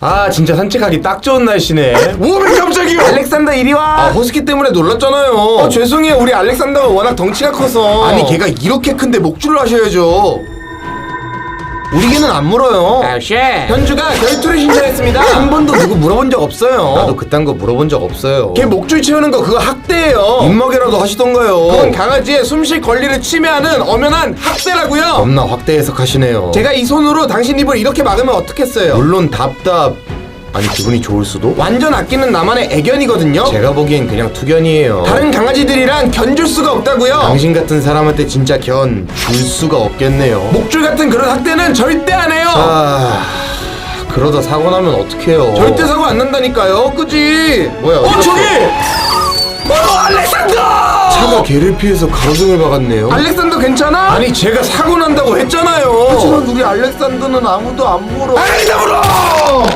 아 진짜 산책하기 딱 좋은 날씨네. 왜 깜짝이야? 알렉산더 이리 와. 허스키 때문에 놀랐잖아요. 죄송해요. 우리 알렉산더가 워낙 덩치가 커서. 아니 걔가 이렇게 큰데 목줄을 하셔야죠. 우리 개는 안 물어요. 쉣. 현주가 결투를 신청했습니다. 한 번도 누구 물어본 적 없어요. 나도 그딴 거 물어본 적 없어요. 걔 목줄 채우는 거 그거 학대예요. 입먹이라도 하시던가요. 그건 강아지의 숨쉴 권리를 침해하는 엄연한 학대라고요. 겁나 확대 해석하시네요. 제가 이 손으로 당신 입을 이렇게 막으면 어떻겠어요? 물론 아니 기분이 좋을 수도? 완전 아끼는 나만의 애견이거든요. 제가 보기엔 그냥 투견이에요. 다른 강아지들이랑 견줄 수가 없다고요. 당신 같은 사람한테 진짜 견 줄 수가 없겠네요. 목줄 같은 그런 학대는 절대 안 해요. 그러다 사고 나면 어떡해요. 절대 사고 안 난다니까요. 그지? 뭐야 저기! 알렉산더! 차가 걔를 피해서 가로등을 박았네요. 알렉산더 괜찮아? 아니 제가 사고 난다고 했잖아요. 하지만 우리 알렉산더는 아무도 안 물어. 알렉산더 물어!